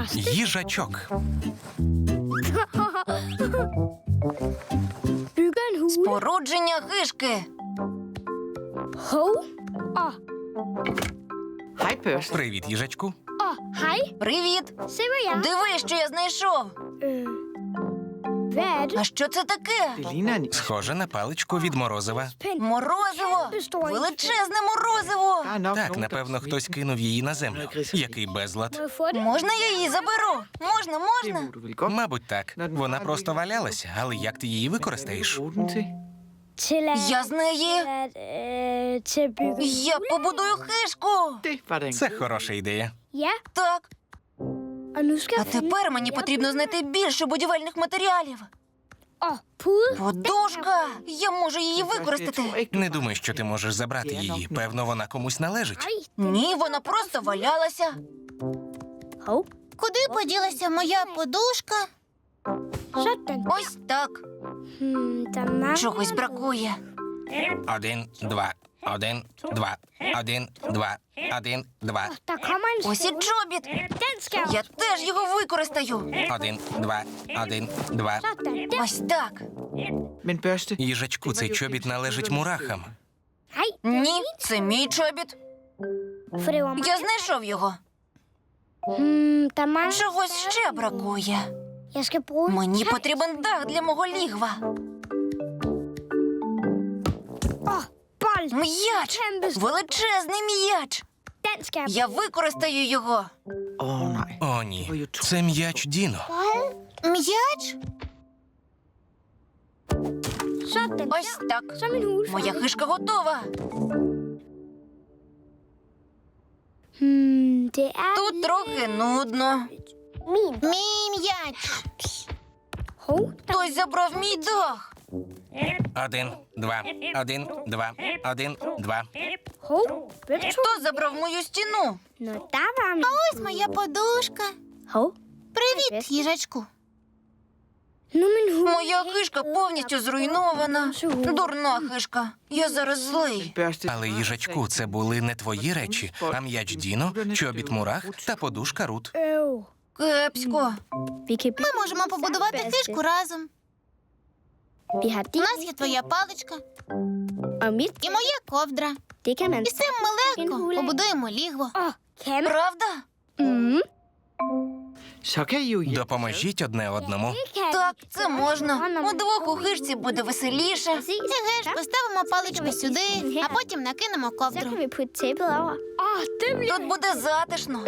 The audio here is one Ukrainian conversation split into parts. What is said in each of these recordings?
Їжачок. Спорудження хижки. Hej, Børste. Привіт, їжачку. Привіт. Диви, що я знайшов. А що це таке? Det ligner en... Схоже на паличку від морозива. Морозиво. Величезне морозиво. Der er nok Так, nogen, напевно, der... хтось кинув її на землю. Який безлад. Можна я її заберу? Можна, Det можна. må du vel godt. Мабуть, так. Вона просто валялася, але як ти її використаєш? Bruge den til. Я з неї. Я побудую хижку. Det var da en Це хороша ідея. Так. А тепер мені потрібно знайти більше будівельних матеріалів. Подушка. Я можу її Jeg tror використати. ikke, Не думаю, що ти можеш забрати її. Певно, вона комусь належить. Ні, вона просто валялася. Куди поділася моя подушка? Ось так. Чогось бракує. 1, 2, 1, 2, 1, 2, 1, 2, Ось і чобіт. Я теж його використаю. 1, 2, 1, 2. Ось так. Men Børste, Їжачку, цей чобіт належить мурахам. Ні, це мій чобіт. Я знайшов його. Чогось ще бракує. Мені потрібен дах для мого лігва. М'яч! Величезний м'яч! Я використаю його. åh nej. О, ні. Це м'яч Діно. М'яч? Ось так. Моя хижка готова. Тут трохи нудно. Мій м'яч. Хтось забрав мій дах. 1, 2, 1, 2, 1, 2. Хто забрав мою стіну? Ось моя подушка. Привіт, їжачку. Моя хижка повністю зруйнована. Дурна хижка. Я зараз злий. Børste, Але їжачку, це були не твої речі, а м'яч Діно, чобіт мурах та подушка Рут. Кепсько. Ми можемо побудувати хижку разом. У нас є твоя паличка і моя ковдра. І з цим ми легко побудуємо лігво. Правда? så kan I jo hjælpe. Допоможіть одне одному. Так, це можна. Удвох у хижці буде веселіше. Еге ж, поставимо паличку сюди, а потім накинемо ковдру. Тут буде затишно.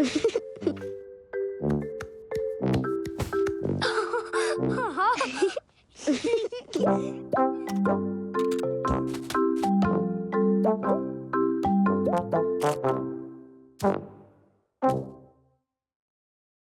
Thank you.